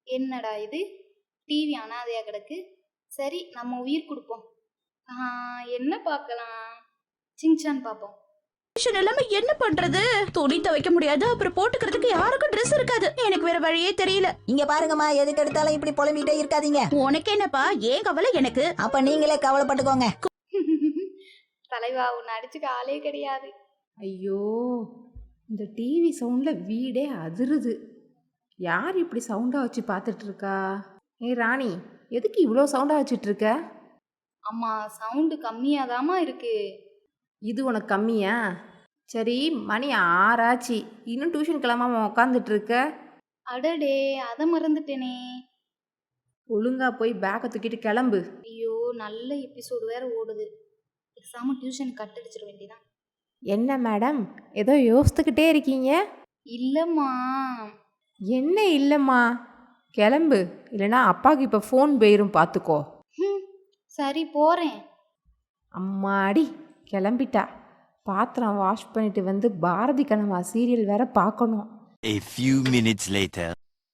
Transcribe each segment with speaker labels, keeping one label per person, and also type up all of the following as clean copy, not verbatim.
Speaker 1: என்னடா இது, டிவி அனாதையா கிடக்கு. சரி, நம்ம உயிர் கொடுப்போம். என்ன பார்க்கலாம்? சிங்சான் பார்ப்போம்.
Speaker 2: எல்லாமே என்ன பண்றது? துணி துவைக்க முடியாது, அப்புறம் போட்டுக்கிறதுக்கு யாருக்கும் ட்ரெஸ் இருக்காது. எனக்கு வேற வழியே தெரியல.
Speaker 3: இங்க பாருங்கம்மா, எதுக்கு எடுத்தாலும் இப்படி புலம்பிட்டே இருக்காதீங்க.
Speaker 2: உனக்கு என்னப்பா, ஏன் கவலை எனக்கு?
Speaker 3: அப்ப நீங்களே கவலைப்பட்டுக்கோங்க.
Speaker 1: தலைவா, உன்னை அடிச்சுக்க ஆளே கிடையாது.
Speaker 4: ஐயோ, இந்த டிவி சவுண்டில் வீடே அதிருது. யார் இப்படி சவுண்டாக வச்சு பார்த்துட்ருக்கா? ராணி, எதுக்கு இவ்வளோ சவுண்டாக வச்சுட்ருக்க?
Speaker 1: அம்மா, சவுண்டு கம்மியாதாம்மா இருக்கு.
Speaker 4: இது உனக்கு கம்மியா? சரி, மணி 6 ஆச்சு, இன்னும் டியூஷன் கிளம்பாம உக்காந்துட்ருக்க.
Speaker 1: அடடே, அதை மறந்துட்டேனே.
Speaker 4: ஒழுங்கா போய் பேக்கை தூக்கிட்டு கிளம்பு.
Speaker 1: ஐயோ, நல்ல எபிசோடு வேற ஓடுது. பேசாம டியூஷன் கட் அடிச்சிட வேண்டியதான்.
Speaker 4: என்ன மேடம், ஏதோ யோசித்துக்கிட்டே இருக்கீங்க?
Speaker 1: இல்லைம்மா.
Speaker 4: என்ன இல்லைம்மா? கிளம்பு, இல்லைனா அப்பாவுக்கு இப்போ ஃபோன் போயிரும் பார்த்துக்கோ.
Speaker 1: சரி, போகிறேன்.
Speaker 4: அம்மாடி, கிளம்பிட்டா. பாத்திரம் வாஷ் பண்ணிட்டு வந்து பாரதி கனவா சீரியல் வேற பார்க்கணும்.
Speaker 5: A few minutes later.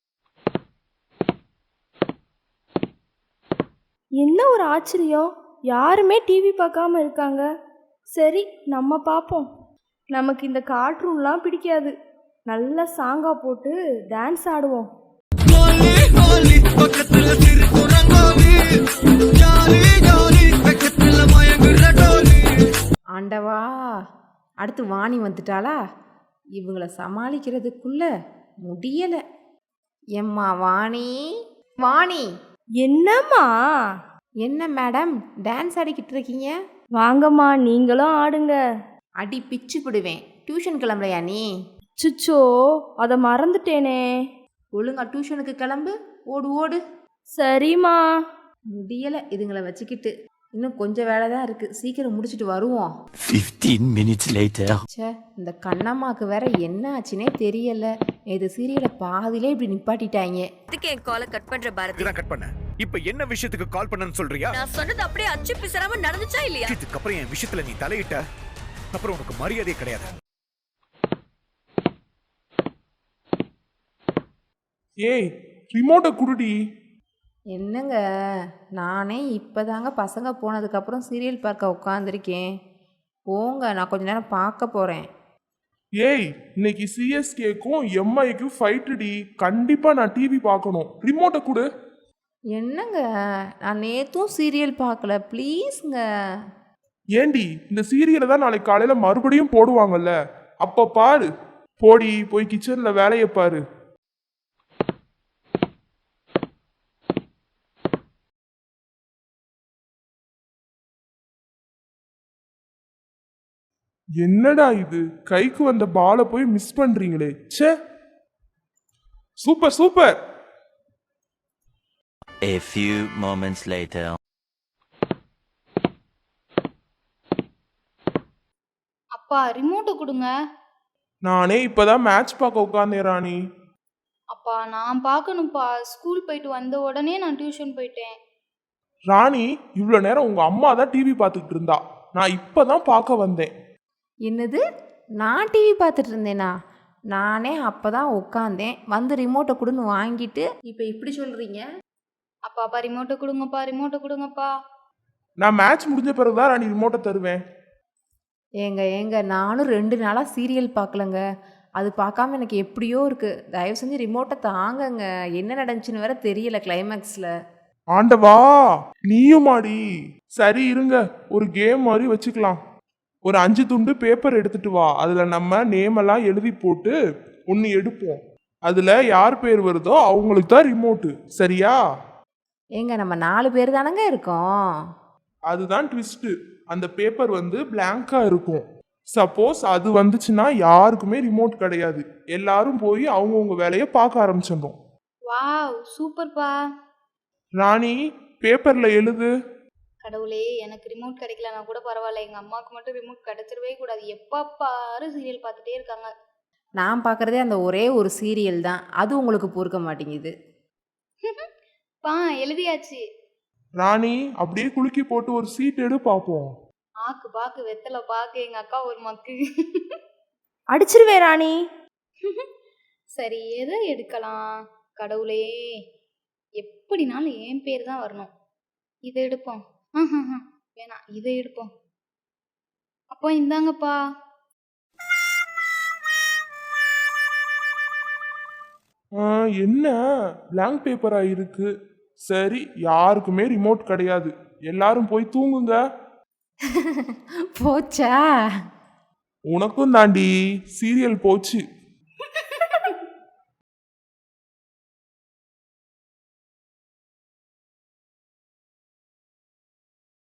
Speaker 6: என்ன ஒரு ஆச்சரியம், யாருமே டிவி பார்க்காம இருக்காங்க. சரி, நம்ம பார்ப்போம். நமக்கு இந்த கார்ட்டூன்லாம் பிடிக்காது. நல்ல சாங்கா போட்டு டான்ஸ் ஆடுவோம்.
Speaker 4: ஆண்டவா, அடுத்து வாணி வந்துட்டாளா? இவங்கள சமாளிக்கிறதுக்குள்ள முடியல. எம்மா வாணி, வாணி.
Speaker 6: என்னம்மா?
Speaker 4: என்ன மேடம் டான்ஸ் ஆடிக்கிட்டு இருக்கீங்க?
Speaker 6: வாங்கம்மா, நீங்களும் ஆடுங்க.
Speaker 4: அடி பிச்சு விடுவேன். டியூஷன் கிளம்பலையா நீ?
Speaker 6: சுச்சோ, அதை மறந்துட்டேனே.
Speaker 4: ஒழுங்கா டியூஷனுக்கு கிளம்பு, ஓடு ஓடு.
Speaker 6: சரிம்மா.
Speaker 4: முடியல இதுங்களை வச்சுக்கிட்டு. இன்னும் கொஞ்சம் வேலை தான் இருக்கு, சீக்கிரம் முடிச்சுட்டு வருவோம்.
Speaker 5: 15 minutes later.
Speaker 4: ச்சே, இந்த கண்ணம்மாக்கு வேற என்ன ஆச்சுனே தெரியல. இது சீரியலை பாதியிலே இப்படி நிப்பாட்டிட்டாங்க.
Speaker 7: இதுக்கு என் காலை கட் பண்ற பாரதி.
Speaker 8: கட் பண்ண. இப்போ என்ன விஷயத்துக்கு கால் பண்ணன்னு சொல்றியா?
Speaker 7: நான் சொன்னது அப்படியே அச்சு பிசறாம நடந்துச்சா இல்லையா?
Speaker 8: இதுக்கு அப்புறம் என் விஷயத்துல நீ தலையிட்ட, அப்புறம் உனக்கு மரியாதையே கிடையாது.
Speaker 9: ஏய், ரிமோட்டை குடுடி.
Speaker 4: என்னங்க, நானே இப்போதாங்க பசங்க போனதுக்கப்புறம் சீரியல் பார்க்க உட்காந்துருக்கேன். போங்க, நான் கொஞ்ச நேரம் பார்க்க போகிறேன்.
Speaker 9: ஏய், இன்னைக்கு சிஎஸ்கேக்கும் எம்ஐக்கும் ஃபைட்டுடி. கண்டிப்பாக நான் டிவி பார்க்கணும். ரிமோட்டை கொடு.
Speaker 4: என்னங்க, நான் நேற்றும் சீரியல் பார்க்கல, ப்ளீஸுங்க.
Speaker 9: ஏண்டி, இந்த சீரியலை தான் நாளைக்கு காலையில் மறுபடியும் போடுவாங்கல்ல, அப்போ பாரு. போடி, போய் கிச்சனில் வேலையை பாரு. என்னடா இது, கைக்கு வந்த பாலை போய் மிஸ் பண்றீங்களே. ச்சே. Super super.
Speaker 5: A few moments later.
Speaker 1: அப்பா, ரிமோட்டை கொடுங்க.
Speaker 9: நானே இப்பதான் மேட்ச் பார்க்க உட்காந்தேன் ராணி.
Speaker 1: அப்பா, நான் பார்க்கணும்ப்பா. ஸ்கூல் போயிட்டு வந்த உடனே நான் டியூஷன் போயிட்டேன்.
Speaker 9: ராணி, இவ்வளோ நேரம் உங்க அம்மா தான் டிவி பார்த்துக்கிட்டு இருந்தா. நான் இப்பதான் பார்க்க வந்தேன்.
Speaker 4: என்னது, நான் டிவி பார்த்துட்டு இருந்தேனா? நானே அப்போ தான் உட்காந்தேன், வந்து ரிமோட்டை கொடுன்னு வாங்கிட்டு இப்போ இப்படி சொல்கிறீங்க?
Speaker 1: அப்பாப்பா, ரிமோட்டை கொடுங்கப்பா, ரிமோட்டை கொடுங்கப்பா.
Speaker 9: நான் மேட்ச் முடிஞ்ச பிறகுதான் ராணி ரிமோட்டை தருவேன்.
Speaker 4: ஏங்க நானும் 2 நாளாக சீரியல் பார்க்கலங்க. அது பார்க்காம எனக்கு எப்படியோ இருக்குது. தயவு செஞ்சு ரிமோட்டை தாங்கங்க. என்ன நடந்துச்சுன்னு வேற தெரியல கிளைமேக்ஸில்.
Speaker 9: ஆண்டவா, நீயுமாடி. சரி இருங்க, ஒரு கேம் மாதிரி வச்சுக்கலாம். ஒரு 5 துண்டு பேப்பர் எடுத்துட்டு வா. அதுல நம்ம நேம் எல்லாம் எழுதி போட்டு ஒன்று எடுப்போம். அதுல யார் பேர் வருதோ அவங்களுக்கு தான் ரிமோட்டு. சரியா?
Speaker 4: ஏங்க, நம்ம 4 பேர் தானங்க இருக்கோம்.
Speaker 9: அதுதான் ட்விஸ்ட். அந்த பேப்பர் வந்து பிளாங்கா இருக்கும். சப்போஸ் அது வந்துச்சுன்னா யாருக்குமே ரிமோட் கிடையாது. எல்லாரும் போய் அவங்கவுங்க வேலையை பார்க்க ஆரம்பிச்சிடணும்.
Speaker 1: வாவ், சூப்பர்ப்பா.
Speaker 9: ராணி, பேப்பர்ல எழுது.
Speaker 1: கடவுளே, எனக்கு ரிமோட் கிடைக்கலனா கூட பரவாயில்ல. எங்கள் அம்மாவுக்கு மட்டும் ரிமோட் கிடைச்சிடவே கூடாது. எப்போ பாரு சீரியல் பார்த்துட்டே இருக்காங்க.
Speaker 4: நான் பார்க்குறதே அந்த ஒரே ஒரு சீரியல் தான், அது உங்களுக்கு பொறுக்க மாட்டேங்குது.
Speaker 1: பா, எழுதியாச்சு.
Speaker 9: ராணி, அப்படியே குலுக்கி போட்டு ஒரு சீட் எடு பார்ப்போம்.
Speaker 1: ஆக்கு பாக்கு வெத்தலை பாக்கு, எங்கள் அக்கா ஒரு மக்கு.
Speaker 6: அடிச்சிருவே ராணி.
Speaker 1: சரி, எதை எடுக்கலாம்? கடவுளே, எப்படினாலும் என் பேர் தான் வரணும். இதை எடுப்போம். வேணாம், இதை எடுப்போம். அப்போ இந்தாங்கப்பா.
Speaker 9: என்ன blank பேப்பரா இருக்கு? சரி, யாருக்குமே ரிமோட் கிடையாது. எல்லாரும் போய் தூங்குங்க.
Speaker 4: போச்சா?
Speaker 9: உனக்கும் தாண்டி சீரியல் போச்சு.